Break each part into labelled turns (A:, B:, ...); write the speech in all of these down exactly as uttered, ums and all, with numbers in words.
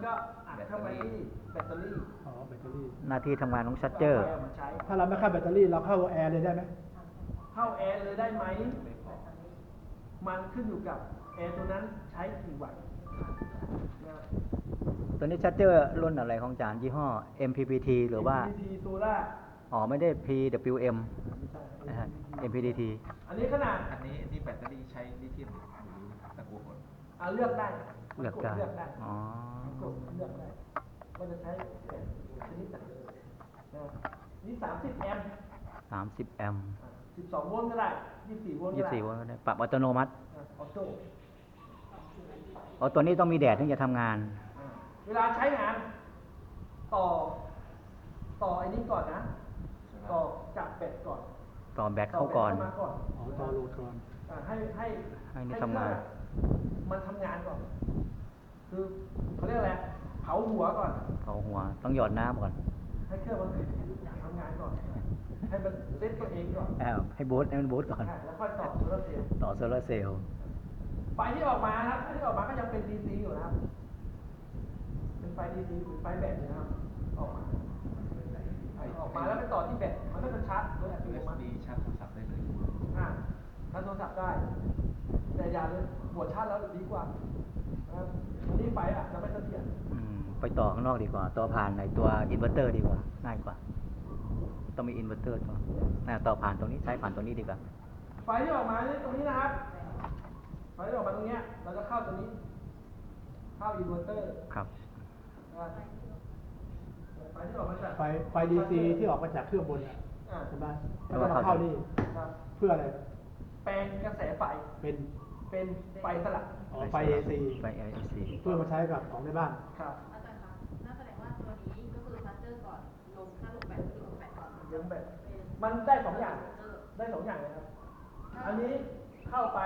A: ก็อัดเข้าไปที่แบตเตอรี่
B: อ๋อแบตเตอรี่
C: หน้าที่ทำงานของชัตเจอร์
B: ถ้าเราไม่เข้าแบตเตอรี่เราเข้าแอร์เลยได้ไหม
A: เข้าแอร์เลยได้ไหมมันขึ้นอยู่กับแอร์ตัวนั้นใช้กี่วัตต์
C: ตัวนี้ชัตเจอร์รุ่นอะไรของอาจารย์ยี่ห้อ เอ็ม พี พี ที หรือว่า
A: เอ็ม พี พี ที Solar
C: อ๋อไม่ได้ พี ดับเบิลยู เอ็ม นะฮะ เอ็ม พี ที ที
A: อันนี้ขนาด
D: อันนี้นี่แบตเตอรี่ใช้ลิเธียมหรือตะกั่วผล
A: อ่าเลือกได้
C: เลือกได้ อ๋อ
A: กดเลือกได้ว่าจะใช้แบตชนิดไหนนะนี่สามสิบแอมป์
C: สามสิบแอมป์
A: สิบสองโวลต์ก็ได้ยี่สิบสี่โวลต์ก็ได้
C: ยี่สิบสี่โวลต์ก็ได้ ปรับอัตโนมัติ
A: ออโต้
C: อ๋อตัวนี้ต้องมีแดดถึงจะทำงาน
A: เวลาใช้งาน ต่อ ต่อไอ้นี้ก่อนนะ ต่อจับแบตก่อน
C: ต่อแบตเข้าก่อน
A: ต่อแบตเข้ามาก่อน
B: อ๋อต่อโหลดก่อน
A: ให้ให้
C: ให้นี่ทำงาน
A: มันทำงานก่อน คือเขาเรียกอะไรเผาหัวก่อน
C: เผาหัว ต้องหยอดน้ำก่อน
A: ให้เครื่องมันทำงานก่อน ให้มันเซตตัวเองก่อน
C: แอบให้บูตให้มันบูตก่อน
A: แล้วค่อยต่อโซลาร์เซลล์
C: ต่อโซลาร์เซลล์
A: ไฟที่ออกมาครับไฟที่ออกมาก็ยังเป็น ดี ซี อยู่นะครับ เป็นไฟ ดี ซี หรือไฟแบตนะครับ ออกมาออกมาแล้วไปต่อที่แบต มันก็จะชาร์จโดยอัตโนมัติ
D: ยู เอส บี ชาร์จโทรศัพท์ได้เลย
A: อ่าชาร์จโทรศัพท์ได้ แต่อย่าเลยบวชชาร์จแล้วดีกว่านะครับอันนี้ไฟอ่ะจะไม่เสถียร
C: อืม ไปต่อข้างนอกดีกว่า ต่อผ่านในตัวอินเวอร์เตอร์ดีกว่า ง่ายกว่า ต้องมีอินเวอร์เตอร์ตัวน่าต่อผ่านตรงนี้ ใช้ผ่านตรงนี้ดีกว่า
A: ไฟที่ออกมานี่ตรงนี้นะครับ ไฟที่ออกมาตรงเนี้ยเราจะเข้าตรงนี้ เข้าอินเวอร์เตอร์
C: ครับ
A: ไฟที่ออกมาจาก
B: ไฟไฟดีซีที่ออกมาจากเครื่องบนอ่ะ
A: อ่า
B: ใช่ไหมแล้วก็มาเข้านี่
A: ครับ
B: เพื่ออะไร
A: แปลงกระแสไฟ
B: เป็น
A: เป็นไฟสลับ
B: อ๋อไฟ เอ ซี
C: ไฟ เอ ซี
B: เพื่อมาใช้กับของในบ้าน
A: ครับ
E: อาจารย์คะนั่นแสดงว่าตัวนี้ก็คือซัตเตอร์ก่อน ลงถ้าลงแบตก็คือลงแบตก่อน
A: ลงแบตมันได้สองอย่าง ได้สองอย่างเลยครับ อันนี้เข้าไป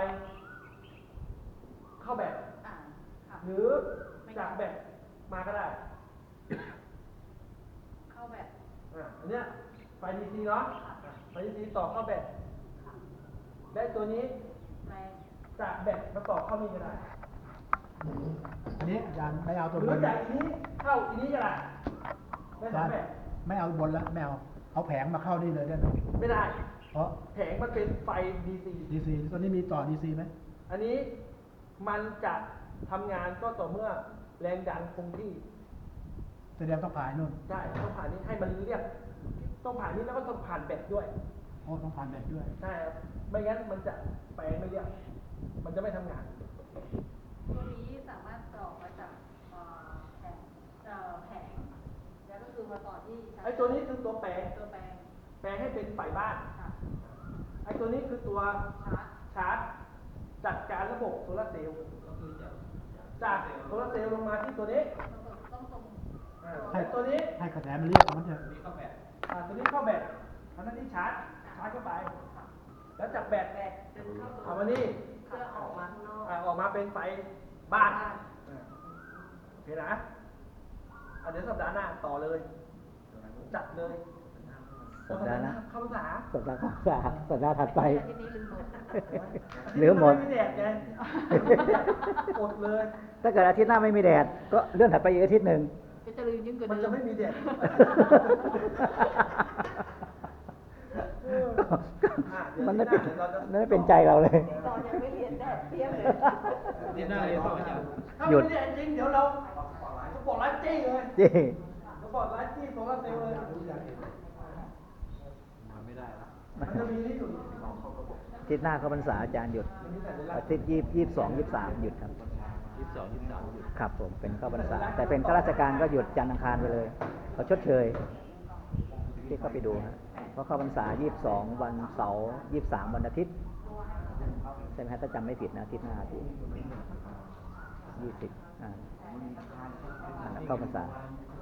A: เข้าแบต
E: อ่าค่ะ
A: หรือจากแบตมาก็ได้
E: เข้าแบต
A: อ่าอันเนี้ยไฟ ดี ซี เนาะ ไฟ ดี ซี ต่อเข้าแบต
E: ค่ะ
A: ได้ตัวนี้
E: แรง
A: จากแบตมาต่อเข้านี่ก็ได้
B: อันนี้อาจารย์ไม่เอาตัว
A: หรื
B: บ
A: อน จากอันนี้เข้าอันนี้ก็ได้ได้
B: อา
A: สอ
B: จาง รย์
A: แบบ
B: ไม่เอาบนแล้วไม่เอาเอาแผงมาเข้านี่เลยได้ไหม
A: ไม่ได้
B: เพราะ
A: แผงมันเป็นไฟ ดี ซี
B: ดีซีตัวนี้มีต่อดีซีไหม
A: อันนี้มันจะทำงานก็ต่อเมื่อแรงดันคงที่
B: แสดงต้องผ่านนู่น
A: ใช่ต้องผ่านนี้ให้มันเรียบต้องผ่านนี้แล้วก็ต้องผ่านแบตด้วย
B: โอ้ต้องผ่านแบตด้วย
A: ใช่ครับไม่งั้นมันจะแปลงไม่เรียบมันจะไม่ทำงาน
E: ตัวนี้สามารถต่อมาจากเอ่อแผงเอ่อแผงแล้วก็คือมาต่อที่
A: ไอ้ตัวนี้คือตัวแปลง
E: ตัวแปลง
A: แปลงให้เป็นไฟบ้าน
E: ค่ะ
A: ไอ้ตัวนี้คือตัว
E: ชาร์จ
A: ชาร์จจัดการระบบโซลาร์เซลล์จากโซลาร์เซลล์ลงมาที่ตัวนี้
E: ต้องตรง
A: อ่าไอ้ตัวนี้
B: ให้กระแสมันเรียกมันจะ
D: นี่เข้าแบต
A: อ่าตัวนี้เข้าแบตอันนั้นที่ชาร์จ ชาร์จเข้าไป แล้วจากแบต
E: แบตดึงเข้าตัว
A: เอามานี่
E: เพื่อออกมาข้างนอก
A: อ่าออกมาเป็นไฟบ้านอ่าโอเคนะอ่ะเดี๋ยวสัปดาห์หน้าต่อเลย จัดเลย
C: สัปดาห์หน้า
A: เข้าภาษา
C: สัปดาห์ข้างสาสัปดาห์ถัดไป
E: อาทิตย์นี้ลืมหมด
C: เหลือหมด
A: ไม่มีแดดไงอดเลย
C: ถ้าเกิดอาทิตย์หน้าไม่มีแดด ก็เลื่อนถัดไปอีกอาทิตย์หนึ่ง
E: ก็จะลืมยิ่งกว่า
A: มัน
E: เดิ
A: จะ
E: ม
A: ไม่มีแดด
C: มันไม่เป็นมันไม่เป็นใจเราเลย
E: ตอนยังไม่เรียนแดดเทียมเลย
D: เรียนหน้าเรียนต่ออาจารย์
A: ถ้า
C: หยุ
A: ไม่
C: ด
A: มีแดดจริงเดี๋ยวเราสปอร์ตไลท์จี้เลย
C: จี
A: สปอร์ตไลท์จี้โซลาร์เซลล์เลย
D: มาไม่ได้ละ
A: มันจะมีนี่อยู่
C: อาทิตย์หน้าเข้าพรรษาอาจารย์หยุด อาทิตย์ยี่ยี่สิบสองยี่สิบสามหยุดครับ
D: ยี่สิบสองยี่สิบสามหยุด
C: ครับผมเป็นเข้าพรรษา แต่เป็นข้าราชการก็หยุดจันทร์อังคารไปเลยเขาชดเชยที่เข้าไปดูฮะเพราะเข้าพรรษายี่สิบสองวันเสาร์ยี่สิบสามวันอาทิตย์ใช่ไหมฮะถ้าจำไม่ผิดนะอาทิตย์หน้าอาทิตย์ยี่สิบอ่าอ่าเข้าพรรษา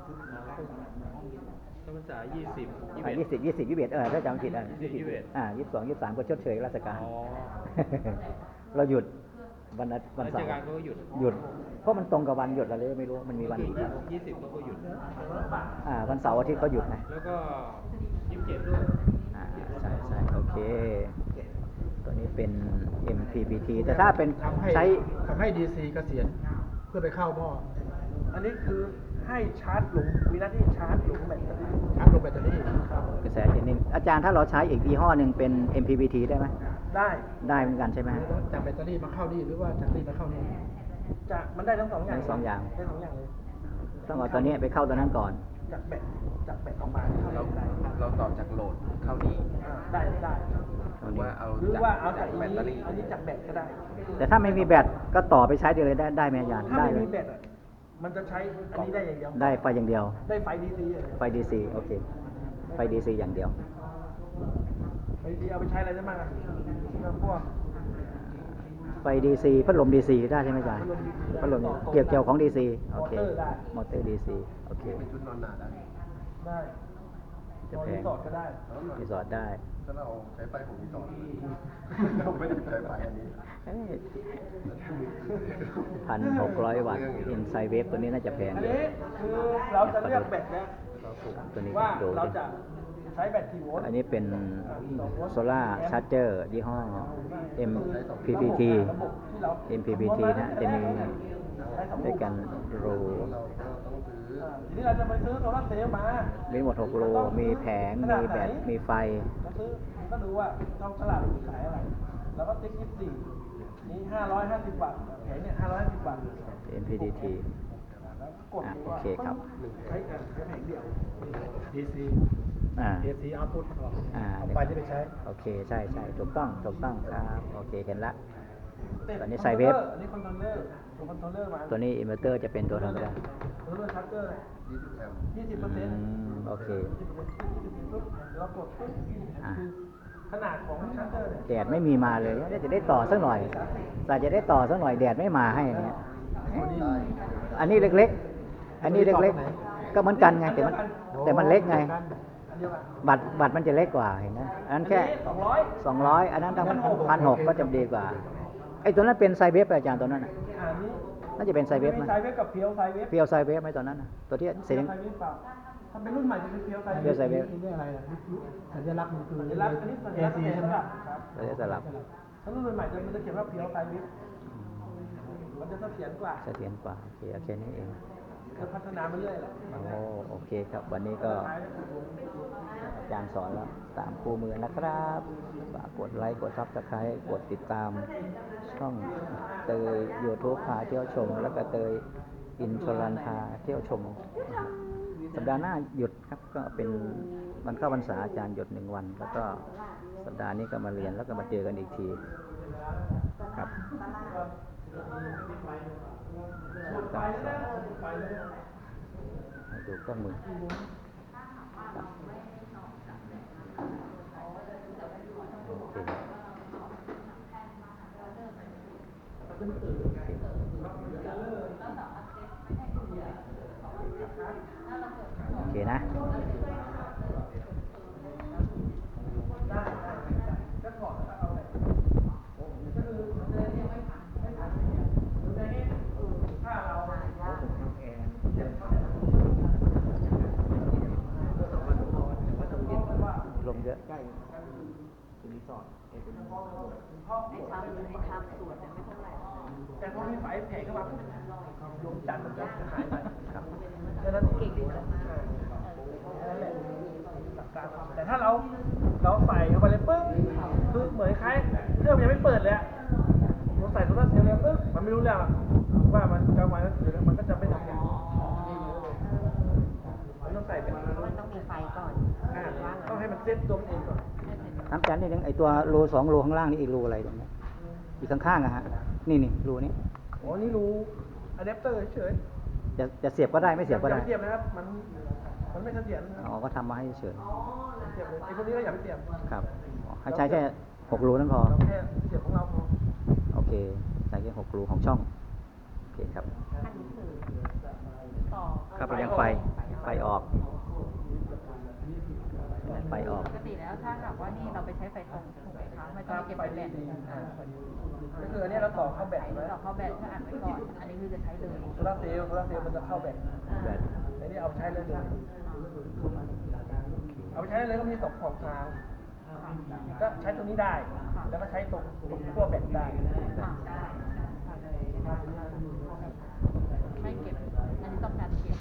D: เข้าพรรษายี่สิบ
C: อ่ายี่สิบยี่สิบยี่สิบเอ็ดเออถ้าจำไม่ผิดอ่ะ
D: ยี่สิบยี่สิบเอ็ด
C: อ่ายี่สิบสองยี่สิบสามก็ชดเชยราชการ
D: อ๋อ
C: เราหยุดวันอาวันเสา
D: ราช
C: ร์
D: การเขาก็หยุด
C: หยุด เพราะมันตรงกับวันหยุดอะไรไม่รู้มันมีวันอีก
D: ยี่สิบเขาก็หยุด
C: อ่าวันเสาร์อาทิตย์เขาหยุดไง
D: แล้วก็ยี่สิบเจ็ดด้วย
C: อ่าใช่ใช่โอเค ตัวนี้เป็น เอ็ม พี พี ที แต่ถ้าเป็น
B: ทำให้
C: ใช้
B: ทำให้ดีซีเกษียณเพื่อไปเข้าหม้อ
A: อันนี้คือให้ชาร์จหลงมีหน้าที่ชาร์จหลงแบตเตอรี่
B: ชาร์จลงแบตเตอรี่
A: ครับ
C: กระแสเจนนิ่งอาจารย์ถ้าเราใช้อีกยี่ห้อหนึ่งเป็น เอ็ม พี วี ที ได้ไหม
A: ได้
C: ได้เหมือนกันใช่ไหม
B: จากแบตเตอรี่มาเข้านี่หรือว่าจากนี่มาเข้านี่
A: จะมันได้ทั้งสองอย่าง
C: ทั้งสองอย่าง
A: ได้สองอย่างเลย
C: ต้องเอาตัวนี้ไปเข้าตัวนั้นก่อน
A: จากแบตจากแบตออกมาเข้า
D: เรา
A: ได้
D: เราต่อจากโหลดเข้านี้
A: อ่าได้ได้
D: หรือว่าเอา
A: หรือว่าเอาจาก
D: แบ
A: อัน
D: ตเตอ
A: นี้
D: รี่
A: อันนี้จากแบตก็ได้
C: แต่ถ้าไม่มีแบตก็ต่อไปใช้ได้เลยได้ได้ไหมอาจารย์
A: ถ้า
C: ได้
A: ไม่
C: เล
A: มี
C: ย
A: แบตอ่ะมันจะใช้อันนี้ได้อย่างเดียว
C: ได้ไฟอย่างเดียว
A: ได้ไฟดีซี
C: ไฟ ดี ซี โอเค ไฟ ดี ซี อย่างเดียว
A: ไฟดีเอาไปใช้อะไรได้บ้างอ่ะพวก
C: ไฟ ดี ซี พัดลม ดี ซี ได้ใช่ไหมอาจารย์ พัดลมเกี่ยวเกี่ยวของ ดี ซี โอเค มอเตอร์ ดี ซี โอเค
D: เป็นชุดนอนหนาได้
A: ได้
C: จะ
A: นอน
C: แพ
A: รี
C: ง
A: สอร์ทก็ได้
C: รีสอร์ทได้
D: ถ้าเราใช้ไฟของรีสอร์ทเราไม่ได้ใช้ไฟอันนี้
C: พันหกร้อยวัตต์อินไซเวฟตัวนี้น่าจะแพง
A: อัน
C: อยู่
A: นี้คือเราจะเลือกแบตนะ
C: ตัวนี้
A: ว่า
C: ดู
A: เรา
C: ดิ
A: จะใช้แบตกี่โวลต์
C: อันนี้เป็นโซล่าชาร์เจอร์ยี่ห้อ เอ็ม พี พี ที
A: ระบบที่เรา
C: เอ็ม พี พี ที นะจะมีด้วยกันรู
D: เราก็ต้องซื้อ
A: อ่าทีนี้เราจะไปซื้อโซลาร์เซลล์มา
C: มีหมดหกรูมีแผง มีแบต มีไฟ
A: เราซื้อก็ดูว่าช่องตลาดมันขายอะไรแล้วก็ติ๊กยี่สิบสี่นี่ห้าร้อยห้าสิบบาทแผงเนี่ยห้าร้อยห้าสิบบาท
C: เอ็ม พี ที ที
A: แล้วกด
C: อ่ะ
A: ดู
C: โอ
A: ว่า
C: เคครับ
A: ใช้กันใช้แผงเดียว
B: ดีซี
C: อ่า
B: เอซีเอาพุทออก
C: อ่า
B: เอาไฟที่ไปใช้
C: โอเค ใช่ใช่ถูกต้อง ถูกต้องครับ โอเค เห็นละ ตอนนี้
A: ค
C: ใส่เวฟ
A: อันนี้คอนโทรลเลอร์ตัวคอนโทรลเลอร์มา
C: ตัวนี้อินเวอร์เตอร์จะเป็นตัวทำได้
A: คอนโทรลเลอร์ชาร์เจอร์
D: ยี่สิบแอมป์
A: ยี่สิบเปอร์เซ็นต์
C: อืมโอเค
A: ยี่สิบเปอร์เซ็นต์ยี่สิบปุ๊บเรากดปุ๊บ
C: อ่ะ
A: คือขนาดของชาร์เจอร์เนี่ย
C: แดดไม่มีมาเลยจะได้ต่อสักหน่อยสายจะได้ต่อสักหน่อยแดดไม่มาให้อย่างเงี้ยอันนี้เล็กๆ อันนี้เล็กๆ ก็เหมือนกันไงแต่มันแต่มันเล็กไง
A: อันเดียวกัน
C: บัตรบัตรมันจะเล็กกว่าเห็นไหมอันนั้นแค่
A: สองร้อย
C: สองร้อยอันนั้นตั้งพันหกก็จะดีกว่าไอ้ตัวนั้นเป็นไซเวฟอาจารย์ตัวนั้นน่ะ
A: อันนี้
C: น่าจะเป็นไซเวฟ
A: มี
C: นะ
A: ไซเวฟกับเพียวไซเวฟ
C: เพียวไซเวฟไหมตัวนั้นน่ะตัวที่เสียง
A: ไซเวฟเปล่าถ้าเป็นรุ่นใหม่จะเป็นเพียวไซ
C: เพียวไซเวฟ
B: นี่เรียกอะไรล่ะสัญลักษณ์มันคือ
A: สัญลักษณ์อันนี้สัญ
B: เอ
A: ลักษณ์
B: ซี
A: เอ
B: ใช่ไหม
A: ครับ
C: เราจะสลับ
A: ถ้ารุ่นใหม่จะมันจะเขียนว่าเพียวไซเวฟมันจะเสถียรกว่า
C: เสถียรกว่าโอเคโอเคนี่เอง
A: จะพัฒนาไปเรื่อยแหละ
C: โอ้โอเคครับวันนี้ก็อาจารย์สอนแล้วตามคู่มือนะครับฝากกดไลค์กดซับสไครต์กดติดตามช่องเตยยูทูบพาเที่ยวชม แล้วก็เตยอินชลันพาเที่ยวชม สัปดาห์หน้าหยุดครับก็เป็นวันเข้าพรรษาอาจารย์หยุดหนึ่งวัน แล้วก็สัปดาห์นี้ก็มาเรียนแล้วก็มาเจอกันอีกทีครับให้ดูเครื่องมือครับโอเคโอเคนะ ลมเยอะ
E: ไอ้ทำไอ้ทำส่วนเนี่ยไม่เท่าไหร่
A: แต่พอมีไฟแผงเข้ามาปุ๊บดวงจันทร์มันจะหายไป
C: ครับ
A: ดังนั้นเก่งดีนะนั่นแหละหลักการความแต่ถ้าเราเราใส่เข้าไปเลยปึ้งคือเหมือนคล้ายเครื่องมันยังไม่เปิดเลยอะเราใส่โซลาร์เซลล์เลยปึ้งมันไม่รู้เรื่องอะว่ามันกลางวันก็คือมันก็จะไม่ทำงานมันต้องใส่เป็น
E: มันต้องมีไฟก่อน
A: อ่าต้องให้มันเซ็ตตัวมันเองก่อน
C: น้ำจันทร์นี่นึงไอตัวรูสองรูข้างล่างนี่อีกรูอะไรตรงนี้อีกข้างๆอะฮะนี่นี่รูนี้
A: โอ้นี่รู้อะแดปเตอร์เฉย
C: จะจะเสียบก็ได้ไม่เสียบก็ได้
A: อาปเสียบนะครับมันมันไม่เสถียรนะค
C: อ๋
A: รับ
C: อก็ทำมาให้เฉย
A: เสียบเลยไอ้พวกนี้ก็อย่าไปเสียบ
C: ครับอ๋อให้ใช้แค่หกรูนั่นพอ
A: เราแค่เสียบของเราพอ
C: โอเคใช้แค่หกรูของช่องโอเคครับ
E: อันนี้คือต่อ
C: ครับไปยังไฟไฟออกไฟออก
E: ปกติแล้วถ้าหากว่านี่เราไปใช้ไฟตรงถูกไหมคะไม่ต้องไปเก็บ
A: ไฟ
E: ไฟแบ
A: ดี
E: ต
A: ๆอ่าก็คืออันนี้เราต่อเข้าแบต
E: ไอ้
A: ไว้
E: ต่อเข้าแบตเพื่ออัดไว้ก่อน อันนี้คือจะใช้เลย
A: โซลาร์เซลล์โซลาร์เซลล์มันจะเข้าแบต
C: แบต
A: อันนี้เอาไปใช้เลยเลยเอาไปใช้เลยก็มีสองของทางก็ใช้ตรงนี้ได้ แล้วก็ใช้ตรงตรงขั้วแบตได้
E: อ่าได้ไม่เก็บ อันที่ต้องการเก็บ